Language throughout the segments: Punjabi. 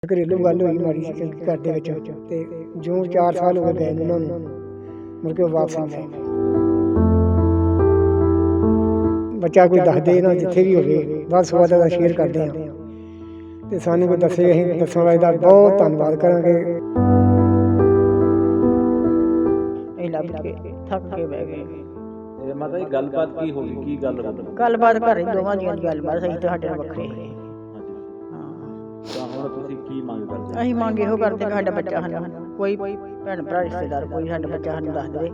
घरेलू गल हुई माड़ी सी घर दे विच ते जो 4 साल हो गए ने उन्हां नूं मुड़ के वापस नहीं आए। बच्चा कोई दस दे ना जिथे भी होवे बस सवाद दा शेयर करदे हां ते सानू कोई दस्से असीं दस्सण वाले दा बहुत धन्नवाद करांगे। ਲੱਭ ਕੇ ਥੱਕ ਕੇ ਬਹਿ ਗਏ। ਇਹ ਮਾਤਾ ਜੀ ਗੱਲਬਾਤ ਕੀ ਹੋ ਗਈ, ਕੀ ਗੱਲ ਹੋ ਗਈ? ਗੱਲਬਾਤ ਘਰੇ ਦੋਵਾਂ ਦੀਆਂ ਗੱਲਬਾਤ ਅਸੀਂ ਤੁਹਾਡੇ ਨਾਲ ਵੱਖਰੇ ਸੀ। ਹਾਂ ਤਾਂ ਹੁਣ ਤੁਸੀਂ ਕੀ ਮੰਗ ਕਰਦੇ? ਅਸੀਂ ਮੰਗ ਇਹੋ ਕਰਦੇ ਕਿ ਸਾਡਾ ਬੱਚਾ ਸਾਨੂੰ ਕੋਈ ਭੈਣ ਭਰਾ ਰਿਸ਼ਤੇਦਾਰ ਕੋਈ ਸਾਡਾ ਬੱਚਾ ਸਾਨੂੰ ਦੱਸ ਦੇਵੇ।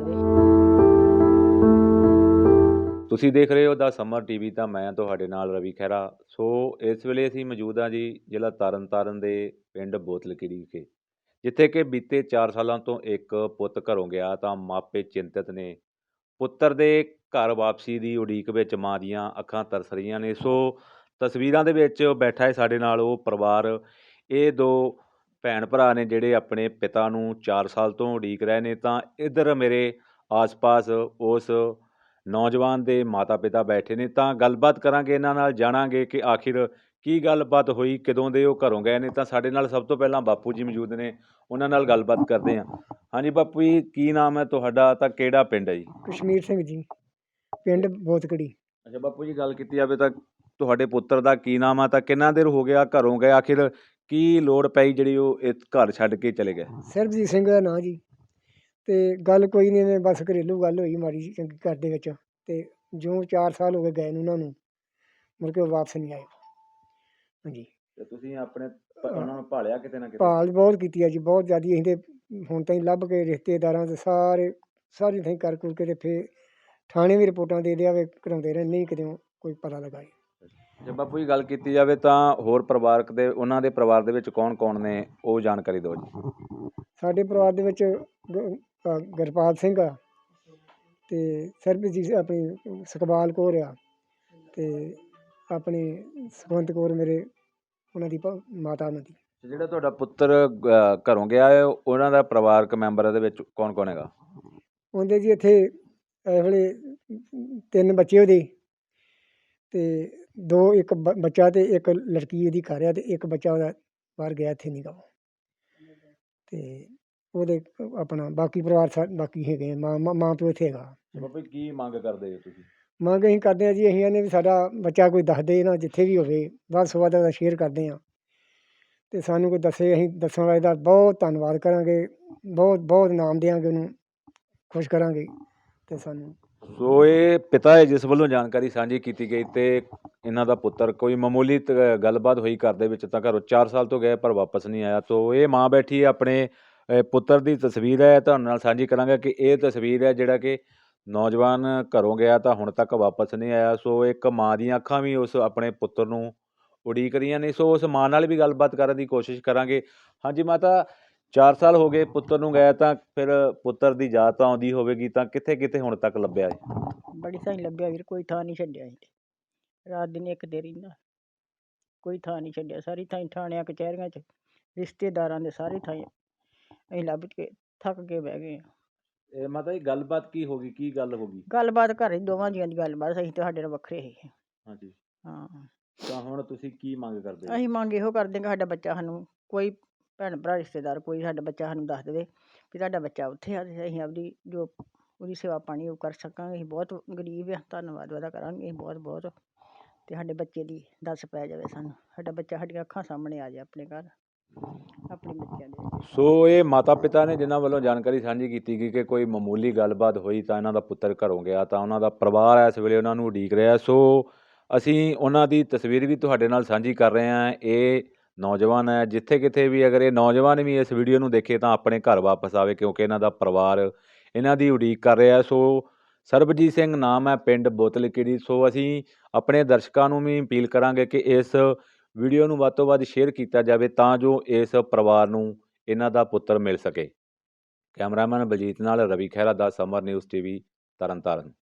ਤੁਸੀਂ ਦੇਖ ਰਹੇ ਹੋ ਦਾ ਸਮਰ ਟੀਵੀ, ਤਾਂ ਮੈਂ ਤੁਹਾਡੇ ਨਾਲ ਰਵੀ ਖਹਿਰਾ। ਸੋ ਇਸ ਵੇਲੇ ਅਸੀਂ ਮੌਜੂਦ ਹਾਂ ਜੀ ਜ਼ਿਲ੍ਹਾ ਤਰਨਤਾਰਨ ਦੇ ਪਿੰਡ ਬੋਤਲਕੀੜੀ ਵਿਖੇ, ਜਿੱਥੇ ਕਿ ਬੀਤੇ 4 ਸਾਲਾਂ ਤੋਂ ਇੱਕ ਪੁੱਤ ਘਰੋਂ ਗਿਆ ਤਾਂ ਮਾਪੇ ਚਿੰਤਤ ਨੇ। ਪੁੱਤਰ ਦੇ ਘਰ ਵਾਪਸੀ ਦੀ ਉਡੀਕ ਵਿੱਚ ਮਾਂ ਦੀਆਂ ਅੱਖਾਂ ਤਰਸ ਰਹੀਆਂ ਨੇ। ਸੋ ਤਸਵੀਰਾਂ ਦੇ ਵਿੱਚ ਬੈਠਾ ਹੈ ਸਾਡੇ ਨਾਲ ਉਹ ਪਰਿਵਾਰ। ਇਹ ਦੋ ਭੈਣ ਭਰਾ ਨੇ ਜਿਹੜੇ ਆਪਣੇ ਪਿਤਾ ਨੂੰ 4 ਸਾਲ ਤੋਂ ਉਡੀਕ ਰਹੇ ਨੇ। ਤਾਂ ਇੱਧਰ ਮੇਰੇ ਆਸ-ਪਾਸ ਉਸ ਨੌਜਵਾਨ ਦੇ ਮਾਤਾ ਪਿਤਾ ਬੈਠੇ ਨੇ, ਤਾਂ ਗੱਲਬਾਤ ਕਰਾਂਗੇ ਇਹਨਾਂ ਨਾਲ, ਜਾਣਾਂਗੇ ਕਿ ਆਖਿਰ ਕੀ ਗੱਲਬਾਤ ਹੋਈ, ਕਦੋਂ ਦੇ ਉਹ ਘਰੋਂ ਗਏ ਨੇ। ਤਾਂ ਸਾਡੇ ਨਾਲ ਸਭ ਤੋਂ ਪਹਿਲਾਂ ਬਾਪੂ ਜੀ ਮੌਜੂਦ ਨੇ, ਉਹਨਾਂ ਨਾਲ ਗੱਲਬਾਤ ਕਰਦੇ ਹਾਂ। ਹਾਂਜੀ ਬਾਪੂ ਜੀ, ਕੀ ਨਾਮ ਹੈ ਤੁਹਾਡਾ, ਤਾਂ ਕਿਹੜਾ ਪਿੰਡ ਹੈ ਜੀ? कश्मीर सिंह जी, पिंड बोतकड़ी। ਅੱਛਾ ਬਾਪੂ ਜੀ, ਗੱਲ ਕੀਤੀ ਜਾਵੇ ਤਾਂ ਤੁਹਾਡੇ ਪੁੱਤਰ ਦਾ ਕੀ ਨਾਮ ਆ, ਤਾਂ ਕਿੰਨਾ ਦੇਰ ਹੋ ਗਿਆ ਘਰੋਂ ਗਏ? ਆਖਿਰ ਕੀ ਲੋੜ ਪਈ ਜਿਹੜੀ ਉਹ ਇਸ ਘਰ ਛੱਡ ਕੇ ਚਲੇ ਗਏ? सरबजीत सिंह दा नां जी। ते गल कोई नहीं, मैं बस घरेलू गल हुई माड़ी जी चंगी घर दे विच ते जो 4 साल हो गए ने उन्हां नूं मुड़ के वापस नहीं आए। हाँ जी, ਤੇ ਤੁਸੀਂ ਆਪਣੇ ਉਹਨਾਂ ਨੂੰ ਭਾਲਿਆ ਕਿਤੇ ਨਾ ਕਿਤੇ? भाल बहुत कीती है जी, बहुत ज़्यादा। असीं ते हुण ताईं लभ के रिश्तेदारां ते सारी थाईं कर कुर के ते फिर थाणे भी रिपोर्टां दे दिया कराउंदे रहे, नहीं किते कोई पता लगा जी। ਜੇ ਬਾਪੂ ਜੀ ਗੱਲ ਕੀਤੀ ਜਾਵੇ ਤਾਂ ਹੋਰ ਪਰਿਵਾਰਕ ਦੇ, ਉਹਨਾਂ ਦੇ ਪਰਿਵਾਰ ਦੇ ਵਿੱਚ ਕੌਣ ਕੌਣ ਨੇ, ਉਹ ਜਾਣਕਾਰੀ ਦਿਓ ਜੀ। ਸਾਡੇ ਪਰਿਵਾਰ ਦੇ ਵਿੱਚ ਗੁਰਪਾਲ ਸਿੰਘ ਆ ਤੇ ਸਰਬਜੀਤ, ਆਪਣੀ ਸੁਖਬਾਲ ਕੌਰ ਆ ਤੇ ਆਪਣੀ ਸੁਖਵੰਤ ਕੌਰ, ਮੇਰੇ ਉਹਨਾਂ ਦੀ ਮਾਤਾ ਉਹਨਾਂ ਦੀ। ਜਿਹੜਾ ਤੁਹਾਡਾ ਪੁੱਤਰ ਘਰੋਂ ਗਿਆ ਹੈ, ਉਹਨਾਂ ਦਾ ਪਰਿਵਾਰਕ ਮੈਂਬਰਾਂ ਦੇ ਵਿੱਚ ਕੌਣ ਕੌਣ ਹੈਗਾ? ਉਹਦੇ ਜੀ ਇੱਥੇ ਇਸ ਵੇਲੇ 3 ਬੱਚੇ ਉਹਦੇ ਤੇ ਇੱਕ ਬੱਚਾ ਤੇ ਇੱਕ ਲੜਕੀ ਉਹਦੀ ਘਰ ਆ ਤੇ ਇੱਕ ਬੱਚਾ ਉਹਦਾ ਬਾਹਰ ਗਿਆ, ਇੱਥੇ ਨਹੀਂ ਗਾ ਉਹ। ਤੇ ਉਹਦੇ ਆਪਣਾ ਬਾਕੀ ਪਰਿਵਾਰ ਬਾਕੀ ਹੈਗੇ, ਮਾਂ ਪਿਓ ਇੱਥੇ ਹੈਗਾ। ਬਾਪੂ ਜੀ, ਕੀ ਮੰਗ ਕਰਦੇ ਹੋ ਤੁਸੀਂ? ਮੰਗ ਅਸੀਂ ਕਰਦੇ ਹਾਂ ਜੀ, ਅਸੀਂ ਇਹਨੇ ਵੀ ਸਾਡਾ ਬੱਚਾ ਕੋਈ ਦੱਸ ਦੇ ਨਾ ਜਿੱਥੇ ਵੀ ਹੋਵੇ, ਵੱਧ ਤੋਂ ਵੱਧ ਉਹਦਾ ਸ਼ੇਅਰ ਕਰਦੇ ਹਾਂ ਤੇ ਸਾਨੂੰ ਕੋਈ ਦੱਸੇ, ਅਸੀਂ ਦੱਸਣ ਵਾਲੇ ਦਾ ਬਹੁਤ ਧੰਨਵਾਦ ਕਰਾਂਗੇ, ਬਹੁਤ ਬਹੁਤ ਇਨਾਮ ਦਿਆਂਗੇ, ਉਹਨੂੰ ਖੁਸ਼ ਕਰਾਂਗੇ ਤੇ ਸਾਨੂੰ। ਸੋ ਇਹ ਪਿਤਾ ਹੈ ਜਿਸ ਵੱਲੋਂ ਜਾਣਕਾਰੀ ਸਾਂਝੀ ਕੀਤੀ ਗਈ ਤੇ ਇਹਨਾਂ ਦਾ ਪੁੱਤਰ, ਕੋਈ ਮਾਮੂਲੀ ਗੱਲਬਾਤ ਹੋਈ ਘਰ ਦੇ ਵਿੱਚ ਤਾਂ ਘਰੋਂ 4 ਸਾਲ ਤੋਂ ਗਏ ਪਰ ਵਾਪਸ ਨਹੀਂ ਆਇਆ। ਸੋ ਇਹ ਮਾਂ ਬੈਠੀ ਆਪਣੇ ਪੁੱਤਰ ਦੀ ਤਸਵੀਰ ਹੈ, ਤੁਹਾਡੇ ਨਾਲ ਸਾਂਝੀ ਕਰਾਂਗਾ ਕਿ ਇਹ ਤਸਵੀਰ ਹੈ ਜਿਹੜਾ ਕਿ ਨੌਜਵਾਨ ਘਰੋਂ ਗਿਆ ਤਾਂ ਹੁਣ ਤੱਕ ਵਾਪਸ ਨਹੀਂ ਆਇਆ। ਸੋ ਇੱਕ ਮਾਂ ਦੀਆਂ ਅੱਖਾਂ ਵੀ ਉਸ ਆਪਣੇ ਪੁੱਤਰ ਨੂੰ ਉਡੀਕ ਰਹੀਆਂ ਨੇ। ਸੋ ਉਸ ਮਾਂ ਨਾਲ ਵੀ ਗੱਲਬਾਤ ਕਰਨ ਦੀ ਕੋਸ਼ਿਸ਼ ਕਰਾਂਗੇ। ਹਾਂਜੀ ਮਾਤਾ, 4 ਸਾਲ ਹੋ ਗਏ ਪੁੱਤਰ ਨੂੰ ਗਏ, ਤਾਂ ਫਿਰ ਪੁੱਤਰ ਦੀ ਯਾਦ ਤਾਂ ਆਉਂਦੀ ਹੋਵੇਗੀ, ਤਾਂ ਕਿੱਥੇ ਕਿੱਥੇ ਹੁਣ ਤੱਕ ਲੱਭਿਆ ਹੈ? ਬੜੀ ਸਾਈ ਲੱਭਿਆ ਵੀਰ, ਕੋਈ ਥਾਂ ਨਹੀਂ ਛੱਡਿਆ ਅਸੀਂ ਤੇ। ਰਾਤ ਦਿਨ ਇੱਕ ਦੇ ਰਹਿੰਦਾ, ਕੋਈ ਥਾਂ ਨਹੀਂ ਛੱਡਿਆ। ਸਾਰੀ ਥਾਈਂ ਥਾਣਿਆਂ ਕਚਹਿਰੀਆਂ 'ਚ ਰਿਸ਼ਤੇਦਾਰਾਂ ਦੇ ਸਾਰੀ ਥਾਈਂ ਅਸੀਂ ਲੱਭ ਕੇ ਥੱਕ ਕੇ ਬਹਿ ਗਏ। ਇਹ ਮਾਤਾ ਜੀ, ਗੱਲਬਾਤ ਕੀ ਹੋ ਗਈ, ਕੀ ਗੱਲ ਹੋ ਗਈ? ਗੱਲਬਾਤ ਘਰੇ ਦੋਵਾਂ ਜੀਆਂ ਦੀ ਗੱਲਬਾਤ, ਅਸੀਂ ਤੁਹਾਡੇ ਨਾਲ ਵੱਖਰੇ ਸੀ। ਹਾਂਜੀ, ਹਾਂ ਤਾਂ ਹੁਣ ਤੁਸੀਂ ਕੀ ਮੰਗ ਕਰਦੇ ਹੋ? ਅਸੀਂ ਮੰਗ ਇਹੋ ਕਰਦੇ ਕਿ ਸਾਡਾ ਬੱਚਾ ਸਾਨੂੰ ਕੋਈ ਭੈਣ ਭਰਾ ਰਿਸ਼ਤੇਦਾਰ ਕੋਈ ਸਾਡਾ ਬੱਚਾ ਸਾਨੂੰ ਦੱਸ ਦੇਵੇ ਵੀ ਸਾਡਾ ਬੱਚਾ ਉੱਥੇ ਆ ਤੇ ਅਸੀਂ ਆਪਦੀ ਜੋ ਉਹਦੀ ਸੇਵਾ ਪਾਣੀ ਉਹ ਕਰ ਸਕਾਂਗੇ। ਅਸੀਂ ਬਹੁਤ ਗਰੀਬ ਆ, ਧੰਨਵਾਦ ਉਹਦਾ ਕਰਾਂਗੇ ਅਸੀਂ ਬਹੁਤ ਬਹੁਤ। ਅਤੇ ਸਾਡੇ ਬੱਚੇ ਦੀ ਦੱਸ ਪੈ ਜਾਵੇ ਸਾਨੂੰ, ਸਾਡਾ ਬੱਚਾ ਸਾਡੀਆਂ ਅੱਖਾਂ ਸਾਹਮਣੇ ਆ ਜਾਏ ਆਪਣੇ ਘਰ, ਆਪਣੇ ਬੱਚਿਆਂ ਦੇ। ਸੋ ਇਹ ਮਾਤਾ ਪਿਤਾ ਨੇ ਜਿਨ੍ਹਾਂ ਵੱਲੋਂ ਜਾਣਕਾਰੀ ਸਾਂਝੀ ਕੀਤੀ ਗਈ ਕਿ ਕੋਈ ਮਾਮੂਲੀ ਗੱਲਬਾਤ ਹੋਈ ਤਾਂ ਇਹਨਾਂ ਦਾ ਪੁੱਤਰ ਘਰੋਂ ਗਿਆ, ਤਾਂ ਉਹਨਾਂ ਦਾ ਪਰਿਵਾਰ ਇਸ ਵੇਲੇ ਉਹਨਾਂ ਨੂੰ ਉਡੀਕ ਰਿਹਾ। ਸੋ ਅਸੀਂ ਉਹਨਾਂ ਦੀ ਤਸਵੀਰ ਵੀ ਤੁਹਾਡੇ ਨਾਲ ਸਾਂਝੀ ਕਰ ਰਹੇ ਹਾਂ। ਇਹ ਨੌਜਵਾਨ ਹੈ, ਜਿੱਥੇ ਕਿਤੇ ਵੀ ਅਗਰ ਇਹ ਨੌਜਵਾਨ ਵੀ ਇਸ ਵੀਡੀਓ ਨੂੰ ਦੇਖੇ ਤਾਂ ਆਪਣੇ ਘਰ ਵਾਪਸ ਆਵੇ, ਕਿਉਂਕਿ ਇਹਨਾਂ ਦਾ ਪਰਿਵਾਰ ਇਹਨਾਂ ਦੀ ਉਡੀਕ ਕਰ ਰਿਹਾ। ਸੋ ਸਰਬਜੀਤ ਸਿੰਘ ਨਾਮ ਹੈ, ਪਿੰਡ ਬੋਤਲਕੀੜੀ। ਸੋ ਅਸੀਂ ਆਪਣੇ ਦਰਸ਼ਕਾਂ ਨੂੰ ਵੀ ਅਪੀਲ ਕਰਾਂਗੇ ਕਿ ਇਸ ਵੀਡੀਓ ਨੂੰ ਵੱਧ ਤੋਂ ਵੱਧ ਸ਼ੇਅਰ ਕੀਤਾ ਜਾਵੇ ਤਾਂ ਜੋ ਇਸ ਪਰਿਵਾਰ ਨੂੰ ਇਹਨਾਂ ਦਾ ਪੁੱਤਰ ਮਿਲ ਸਕੇ। ਕੈਮਰਾਮੈਨ ਬਲਜੀਤ ਨਾਲ ਰਵੀ ਖਹਿਰਾ ਦਾ ਸਮਰ ਨਿਊਜ਼ ਟੀਵੀ ਤਰਨਤਾਰਨ।